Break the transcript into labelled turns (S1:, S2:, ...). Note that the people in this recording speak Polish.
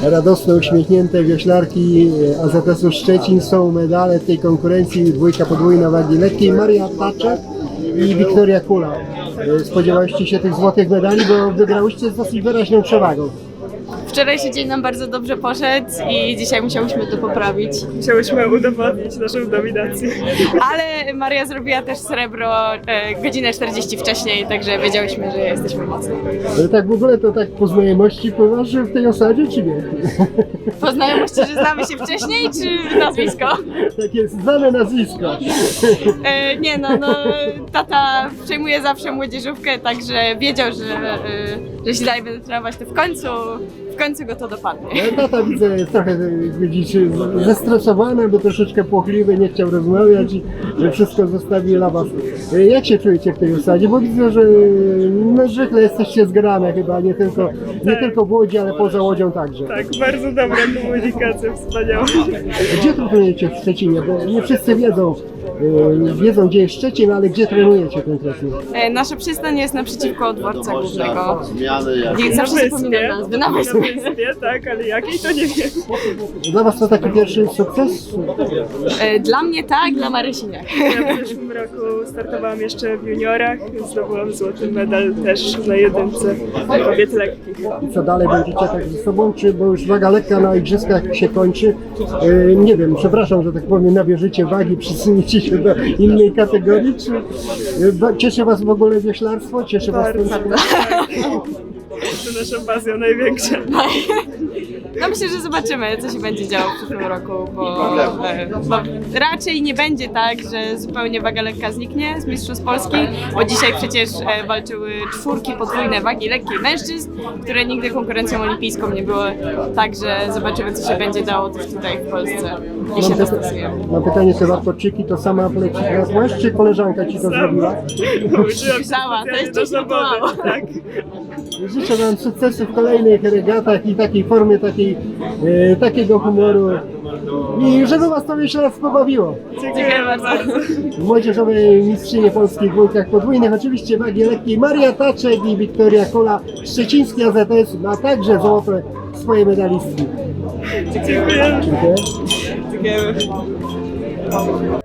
S1: radosne, uśmiechnięte wioślarki AZS-u Szczecin. Są medale w tej konkurencji, dwójka podwójna wagi lekkiej, Maria Taczek i Wiktoria Kula. Spodziewałyście się tych złotych medali, bo wygrałyście z dosyć wyraźną przewagą.
S2: Wczorajszy dzień nam bardzo dobrze poszedł i dzisiaj musiałyśmy to poprawić.
S3: Musiałyśmy udowodnić naszą dominację.
S2: Ale Maria zrobiła też srebro godzinę 40 wcześniej, także wiedziałyśmy, że jesteśmy mocne.
S1: Ale tak w ogóle to tak po znajomości pływasz w tej osadzie, czy nie?
S2: Po znajomości, że znamy się wcześniej, czy nazwisko?
S1: Tak jest, znane nazwisko.
S2: Nie no, tata przejmuje zawsze młodzieżówkę, także wiedział, że jeśli dalej będę trenować, to w końcu go to dopadnie.
S1: No, tata widzę jest trochę, widzicie, zestresowany, bo troszeczkę płochliwy, nie chciał rozmawiać i że wszystko zostawi dla was. Jak się czujecie w tej osadzie? Bo widzę, że no, zwykle jesteście zgrane chyba, nie tylko w Łodzi, ale poza Łodzią także.
S3: Tak, bardzo dobra komunikacja, wspaniała.
S1: Gdzie trenujecie w Szczecinie? Bo nie wszyscy wiedzą gdzie jest Szczecin, ale gdzie trenujecie konkretnie?
S2: Nasza przystań jest naprzeciwko dworca głównego. Nie zawsze
S3: wyspie.
S2: zapominam nazwy, na
S3: Na
S2: wyspie.
S3: wyspie, tak, ale jakiej to nie wiem.
S1: Dla was to taki pierwszy sukces?
S2: Dla mnie tak, dla Marysi nie.
S3: Ja w zeszłym roku startowałam jeszcze w juniorach, zdobyłam złoty medal też na jedynce kobiet lekkich.
S1: Co dalej będziecie tak ze sobą, czy bo już waga lekka na igrzyskach się kończy? Nie wiem, przepraszam, że tak powiem, nabierzecie wagi, przysuniecie się do innej kategorii, czy cieszy was w ogóle wioślarstwo? Cieszy was ten
S3: Bardzo. To nasza pasja największa.
S2: No myślę, że zobaczymy, co się będzie działo w przyszłym roku, bo raczej nie będzie tak, że zupełnie waga lekka zniknie z Mistrzostw Polski, bo dzisiaj przecież walczyły czwórki podwójne wagi lekkiej mężczyzn, które nigdy konkurencją olimpijską nie były, także zobaczymy, co się będzie działo też tutaj w Polsce i się dostosujemy.
S1: Mam pytanie, te warkoczyki to sama poleciłaś, czy koleżanka ci to zrobiła?
S3: Nauczyłam się
S2: Sama, to jest
S3: specjalnie do
S2: coś
S3: zawody,
S2: mało.
S3: tak.
S1: Życzę wam sukcesu w kolejnych regatach i takiej formie, takiego humoru i żeby was to wioślarstwo bawiło.
S3: Dziękuję bardzo.
S1: Młodzieżowej mistrzynie polskiej w dwójkach podwójnych, oczywiście wagi lekkiej, Maria Taczek i Wiktoria Kula, szczeciński AZS ma także złote swoje medalistki.
S3: Dziękuję.
S1: Dziękuję.
S3: Dziękujemy.